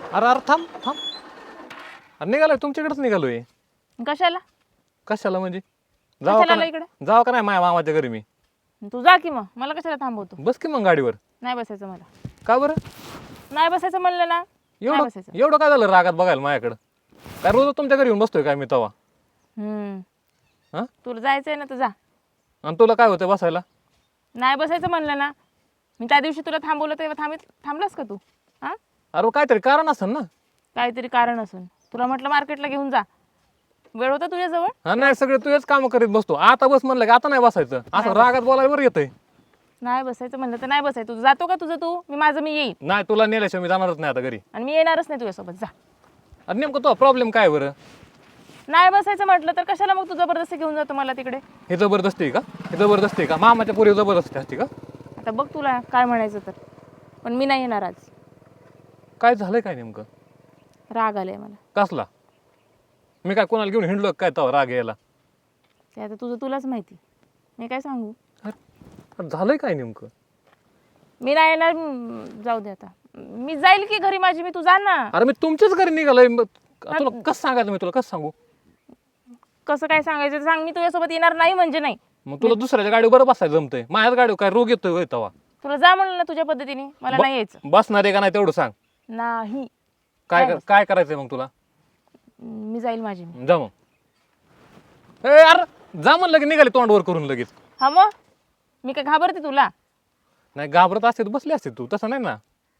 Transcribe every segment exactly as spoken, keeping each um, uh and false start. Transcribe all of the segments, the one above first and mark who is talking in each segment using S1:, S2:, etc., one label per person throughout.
S1: अरे अरे थांब थांब. अरे निघालोय तुमच्याकडेच निघालोय.
S2: कशाला
S1: कशाला म्हणजे जावा
S2: कशाला
S1: का
S2: आला
S1: नाही
S2: इकडे
S1: जावा का नाही माझ्या मामाच्या घरी मी.
S2: तू जा की मग मला कशाला थांबवतो
S1: बस की मग गाडीवर.
S2: नाही बसायचं मला
S1: का बरं
S2: नाही बसायचं म्हणलं ना नाही
S1: एवढं
S2: बसायचं
S1: एवढं काय झालं रागात बघायला माझ्याकडं. काय रोज तुमच्या घरी येऊन बसतोय काय मी तवा.
S2: हम्म
S1: हा
S2: तुला जायचंय ना तर जा
S1: आणि तुला काय होतं बसायला.
S2: नाही बसायचं म्हणलं ना मी त्या दिवशी तुला थांबवलं तेव्हा थांबित थांबलास का तू हा
S1: अरे काहीतरी कारण असेल ना.
S2: काहीतरी कारण असून तुला म्हटलं मार्केटला घेऊन जा वेळ होता तुझ्याजवळ
S1: हा नाही सगळे तुझेच काम करीत बसतो आता बस म्हणलं की आता नाही बसायचं असं रागात बोलायला बरं येतंय.
S2: नाही बसायचं म्हणलं तर नाही बसायचं तू जातो का तुझं तू मी माझं मी येईन
S1: नाही तुला नेल्याशिवाय मी जाणारच नाही आता घरी.
S2: आणि मी येणारच नाही तुझ्यासोबत जा
S1: अरे नेमकं तो प्रॉब्लेम काय बरं.
S2: नाही बसायचं म्हटलं तर कशाला मग तू जबरदस्ती घेऊन जातो मला तिकडे
S1: हे जबरदस्ती आहे का हे जबरदस्ती आहे का मामाच्या पोरी जबरदस्ती असते का.
S2: आता बघ तुला काय म्हणायचं तर पण मी नाही येणार आज
S1: काय झालंय काय नेमकं.
S2: राग आलाय मला
S1: कसला मी काय कोणाला घेऊन हिंडलो काय तवा राग यायला.
S2: ते आता तुझं तुलाच माहिती मी काय सांगू
S1: अरे झालंय काय नेमकं.
S2: मी नाही येणार म, जाऊ दे आता मी जाईल की घरी माझी मी तू जा ना
S1: अरे मी तुमच्याच घरी निघालोय मग तुला कसं सांगायचं मी तुला कसं सांगू.
S2: कसं काय सांगायचं ते सांग मी तुझ्यासोबत येणार नाही म्हणजे नाही
S1: मग तुला दुसऱ्याच्या गाडीवर बरं बसायचं जमतंय माझ्याच गाडीवर काय रोग येतोय होय तवा.
S2: तुला जा म्हणलं ना तुझ्या पद्धतीने मला
S1: ब-
S2: नाही यायचं
S1: बसणार आहे का नाही तेवढं सांग.
S2: नाही
S1: काय
S2: नाही
S1: कर- काय करायचंय मग तुला.
S2: मी जाईल माझी मी
S1: जा मग ए अरे जा म्हणलं की निघाले तोंडवर करून लगेच.
S2: हा मग मी काय घाबरते तुला
S1: नाही घाबरत असते तर बसली असते तू तसं नाही ना.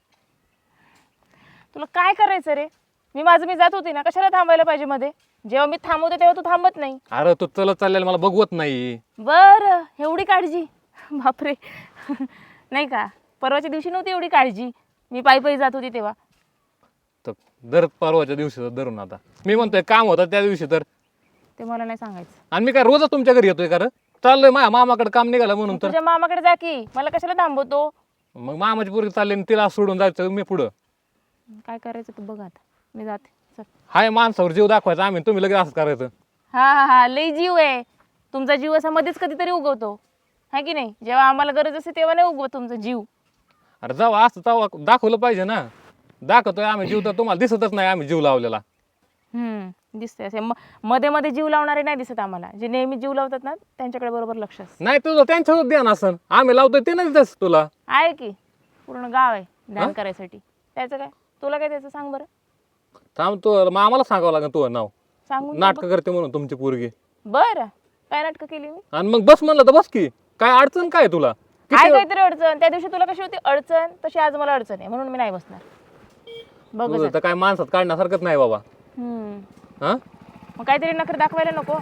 S2: तुला काय करायचं रे मी माझं मी जात होती ना कशाला थांबायला पाहिजे मध्ये जेव्हा मी थांबवते तेव्हा तू थांबत नाही
S1: अरे तू चलत चाललेला मला बघवत नाही.
S2: बरं एवढी काळजी बापरे नाही का परवाच्या दिवशी नव्हती एवढी काळजी मी पायी पायी जात होती तेव्हा
S1: तर दर परवाच्या दिवशी धरून आता मी म्हणतोय काम होतं त्या दिवशी तर.
S2: ते मला नाही सांगायचं
S1: आणि मी काय रोजच तुमच्या घरी येतोय का रे चाललोय माझ्या मामाकडे काम निघालं म्हणून तर.
S2: तुझ्या मामाकडे जा की मला कशाला थांबवतो
S1: मग मामाची पोरगी चालली आणि तिला सोडून जायचं मी पुढं.
S2: काय करायचं तू बघ आता मी जाते चल
S1: हाय माणसावर जीव दाखवायचा आम्ही तुम्ही लगेच असं करायचं.
S2: हा हा हा लई जीव आहे तुमचा जीव असा मध्येच कधीतरी उगवतो है की नाही जेव्हा आम्हाला गरज असते तेव्हा नाही उगवत तुमचा जीव
S1: अरे जाऊ असं जाऊ दाखवलं पाहिजे ना. दाखवतोय आम्ही जीव तर तुम्हाला दिसतच नाही आम्ही जीव लावलेला.
S2: हम्म दिसते असे म- मध्ये मध्ये जीव लावणारे नाही दिसत आम्हाला जे नेहमी जीव लावतात ना त्यांच्याकडे बरोबर लक्ष असतं
S1: नाही तुझं त्यांच्यावर ध्यान असन आम्ही लावतोय ते नाही दिसत तुला.
S2: आहे की पूर्ण गाव आहे ध्यान करायसाठी त्याचं काय तुला काय त्याचं सांग बरं
S1: थांब तू मग आम्हाला सांगावं लागेल तुझं नाव.
S2: सांगून
S1: नाटकं करते म्हणून तुमची पोरगी.
S2: बरं काय नाटकं केली मी
S1: आणि मग बस म्हणलं तर बस की काय अडचण काय तुला.
S2: काय काहीतरी अडचण त्या दिवशी तुला कशी होती अडचण तशी आज मला अडचण आहे म्हणून मी नाही बसणार बघ
S1: तुझं तर काय माणसात काढण्यासारखंच नाही बाबा.
S2: हम्म
S1: हा
S2: मग काहीतरी नखरे दाखवायला नको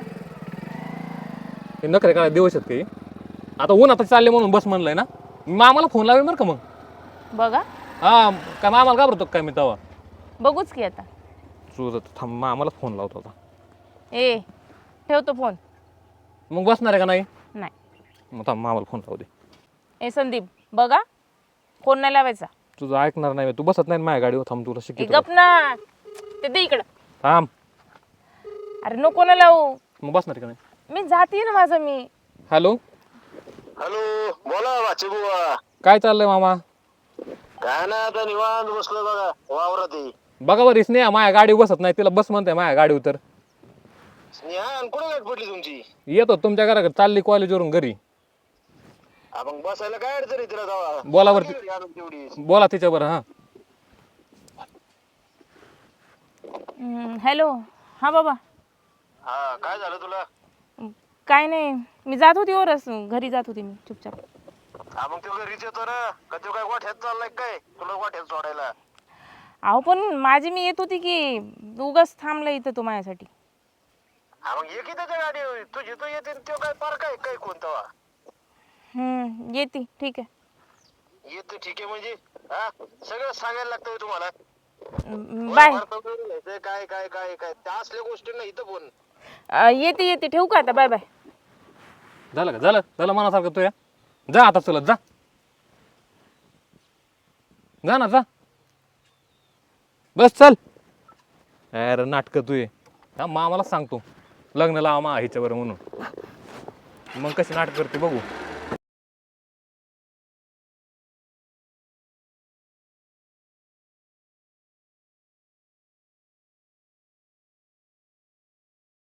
S1: हे नखरे काय दिवस आहेत काही आता ऊन आता चालले म्हणून बस म्हणलंय ना मामाला फोन लावेल बरं का मग.
S2: बघा
S1: हा काय मामाला घाबरतो काय मी तवा.
S2: बघूच की आता
S1: तुझं थांब मामाला फोन लावतो आता.
S2: ए ठेवतो फोन
S1: मग बसणार आहे का नाही.
S2: नाही
S1: मग थांब मामाला फोन लावू दे.
S2: ए संदीप बघा फोन नाही लावायचा
S1: तुझं ऐकणार नाही तू बसत नाही माझ्या गाडीवर थांब तुला
S2: ए
S1: शिकतो.
S2: गप ना ते दे इकडं
S1: थांब
S2: अरे नको ना लावू
S1: मग बसणार आहे का नाही.
S2: मी जाते ना माझं मी
S1: हॅलो
S3: हॅलो बोला वाचे बुवा
S1: काय चाललंय मामा.
S3: काय ना आता निवांत बसलो बघा वावरात आहे.
S1: बघा बरं स्नेहा माझ्या गाडीवर बसत नाही तिला बस म्हणते माझ्या गाडीवर तर.
S3: स्नेहा कुठे गाठ पडली तुमची
S1: येतो तुमच्या घराकडे चालली कॉलेजवरून घरी.
S3: हा, मग बसायला काय अडचण आहे तिला जावा
S1: बोला वरती.
S3: आणून तेवढी
S1: बोला तिच्यावर हा.
S2: हॅलो हा बाबा
S3: हा काय झालं तुला
S2: काय नाही मी जात होती वरच घरी जात होती मी चुपचाप
S3: हा मग तो घरीच येतो ना का तो काय वाट्यात चाललाय काय तुला वाट्यात सोडायला
S2: अहो पण माझी मी येत होती की उगाच थांबला इथं तो माझ्यासाठी
S3: हा मग ये की त्याच्या गाडी तुझी तू येते आणि तो काय पार काय काय कोणता
S2: हम्म येते ठीक आहे
S3: येतो ठीक आहे म्हणजे हा सगळं सांगायला लागतं होय तुम्हाला
S2: बाय
S3: भारतामध्ये लिहायचंय, काय काय काय काय त्या असल्या गोष्टी नाही इथं बोल
S2: येते येते ठेवू का आता बाय बाय
S1: झालं का झालं झालं मनासारखं तू या जा आता चलत जा जा ना जा बस चल. अरे नाटकं तू ये हा मामाला सांगतो लग्न लावा मा ह्याच्यावर म्हणून मग कशी नाटक करते बघू.